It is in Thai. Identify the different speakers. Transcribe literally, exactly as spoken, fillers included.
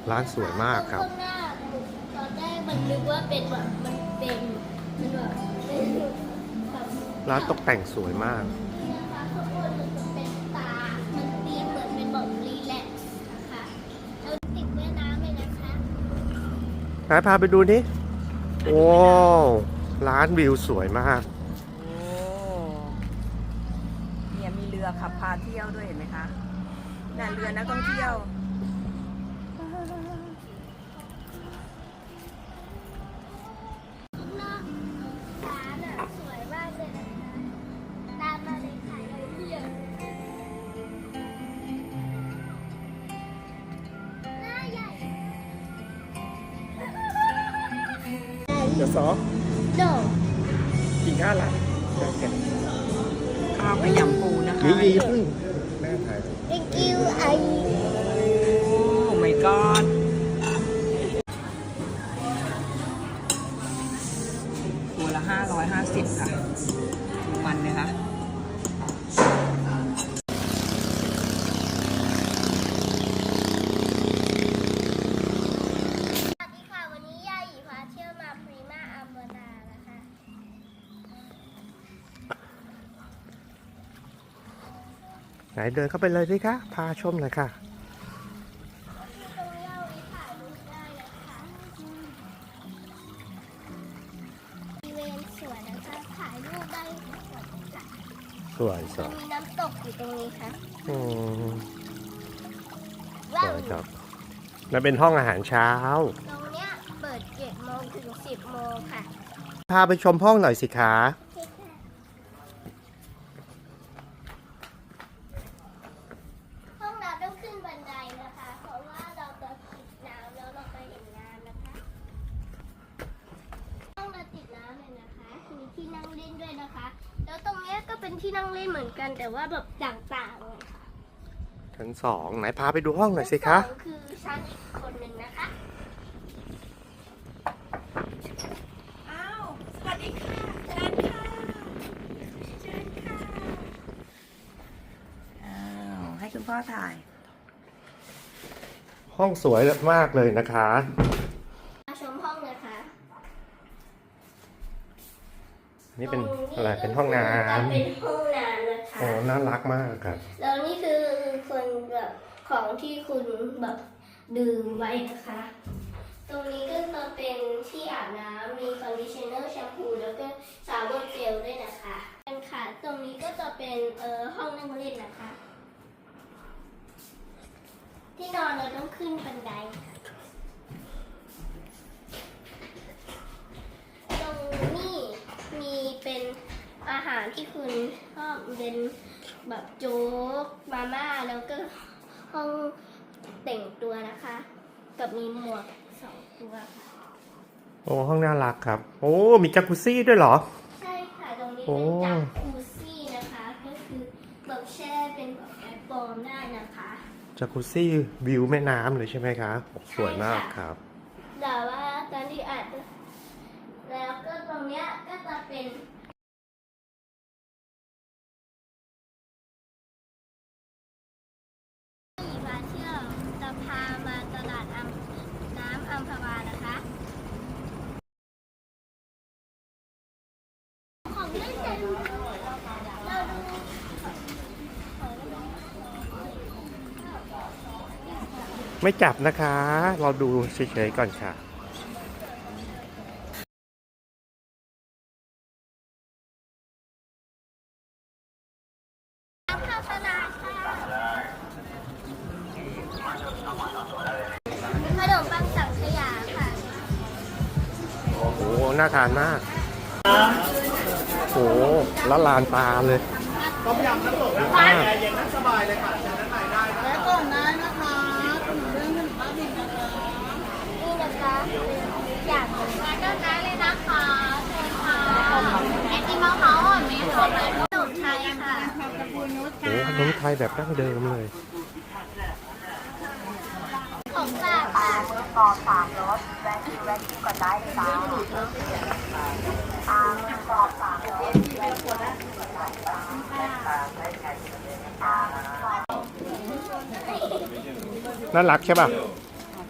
Speaker 1: ร้านสวยมากครับ
Speaker 2: ข้างหน้าตอนแรกมันนึกว่าเป็นแบบมันเป็นมันแบบเป็นแบบ
Speaker 1: ร้านตกแต่งสวยมาก
Speaker 2: นะคะข้างบนมันจะเป็นตา มันตีเหมือนเป็นแบบรีแลกซ์นะคะแล้วติดแม่น้ำเลยนะคะ
Speaker 1: ไหนพาไปดูนี่โอ้ร้านวิวสวยมาก
Speaker 3: โอ้เนี่ยมีเรือขับพาเที่ยวด้วยเห็นไหมคะน่ะเรือนักท่องเที่ยว
Speaker 2: ข้างนอกร้านอ่ะสวยมากเลยนะคะตามมาเลยค่ะเลยเที่ยวหน้าใหญ่
Speaker 1: เดี๋ยวซอ
Speaker 2: no
Speaker 1: กินข้าวละ
Speaker 3: ข้าวขยำปูนะคะ
Speaker 1: ยี่ยี่พึ่งแม่ถ่าย
Speaker 2: thank you I
Speaker 3: โอ้ my god ตัวละห้าร้อยห้าสิบค่ะดูมันนะคะ
Speaker 2: สวัสดีค่ะวันนี้ยาหยีพาเที่ยวมาพรีมาอัมเบอร์ดานะคะ
Speaker 1: ไหนเดินเข้าไปเลยสิคะพาชมหน่อยค่ะ
Speaker 2: ที่ตรงนี้เอาไว้ถ่ายรูปได้นะคะบริเวณสวนนะคะถ่ายรูปได้ทั้งหมดเลยค่ะ
Speaker 1: สวยส
Speaker 2: มั
Speaker 1: วน ย
Speaker 2: มีน้ำตกอยู่ตรงนี้ค่ะ
Speaker 1: อืมส
Speaker 2: ว้าว
Speaker 1: วยครับนั่นเป็นห้องอาหารเช้า
Speaker 2: ตรงเนี้ยเปิดเจ็ดโมงถึงสิบโมงค่ะ
Speaker 1: พาไปชมห้องหน่อยสิคะ
Speaker 2: โอเคค่ะห้องเราต้องขึ้นบันไดนะคะ เพราะว่าเราจะติดน้ำแล้วเราไปเห็นน้ำนะคะ ห้องเราติดน้ำเลยนะคะ มีที่นั่งเล่นด้วยนะคะ แล้วตรงเนี้ยก็เป็นที่นั่งเล่นเหมือนกันแต่ว่าแบบต่างๆเลยค่ะ
Speaker 1: ชั้นสองไหนพาไปดูห้องหน่อยสิคะ
Speaker 2: ชั้นสองคือชั้นอีกคนหนึ่งนะคะ
Speaker 3: อ้าวสวัสดีค่ะเชิญค่ะเชิญค่ะอ้าวให้คุณพ่อถ่าย
Speaker 1: ห้องสวยมากเลยนะคะ
Speaker 2: มาชมห้องนะคะ
Speaker 1: นี่เป็น
Speaker 2: ตรง
Speaker 1: อะไรเป็นห้องน้
Speaker 2: ก็เป็นห้องน้ำนะ
Speaker 1: ำ
Speaker 2: คะ
Speaker 1: โอ้น่ารักมากครับ
Speaker 2: แล้วนี่คือคนแบบของที่คุณแบบดื่มไว้นะคะ ตรงนี้ก็จะเป็นที่อาบน้ำมีคอนดิชเนอร์แชมพูแล้วก็ชาวเวอร์เจลด้วยนะคะเป็นค่ะ ตรงนี้ก็จะเป็นเอ่อห้องนั่งเล่นนะคะ ที่นอนเราต้องขึ้นบันไดค่ะตรงนี้มีเป็นอาหารที่คุณชอบเป็นแบบโจ๊กมาม่าแล้วก็ห้องแต่งตัวนะคะ กับมีหมวกสองตัวค่ะ
Speaker 1: โอ้ห้องน่ารักครับ โอ้มีจักรุซี่ด้วยเหรอ
Speaker 2: ใช่ค่ะ ตรงนี้
Speaker 1: โอ้
Speaker 2: เป็นจากคูซี่นะคะ ก็คือแบบแช่เป็นแบบแอปเปิลได้นะคะ
Speaker 1: จักรุซี่วิวแม่น้ำเลยใช่ไหมคะโอ้สวยมากครับ
Speaker 2: แต่ว่าตอนที่อาจจะแล้วก็ตรงเนี้ยก็จะเป็นที่มาเที่ยวจะพามาตลาดอัมน้ำอัมพวานะคะ ของเล่นเต็มเราดูของเล่น
Speaker 1: ไม่จับนะคะ เราดูเฉยๆก่อนค่ะ
Speaker 2: น้ำเข้าตลาดค่ะขนมปังสังขยาค่ะ
Speaker 1: โอ้โหน่าทานมาก โอ้โหละลานตาเลยต้มยำน้ำตกน้ำปลาแอร์เย็นนั่งสบายเลยค่ะเชิญด้านในได้และก่อนได้นะคะขนมเรื่องขนมบ้าบินนะคะ
Speaker 2: นี่นะคะอยากมาก็ได้เลยนะคะเชิญค่ะไอติมมะพร้าวอ่อนไหมคะขนมไทยค่ะ
Speaker 1: โอ้ขนมไทยแบบดั้งเดิมเลย
Speaker 2: ของฝากค่ะต่อสามรถแวะคิวแวะคิวก่อนได้เลยจ้าทางต่อสามรถแวะคิวแวะคิวก่อนได้จ้า
Speaker 1: น่ารักใช่ป่ะ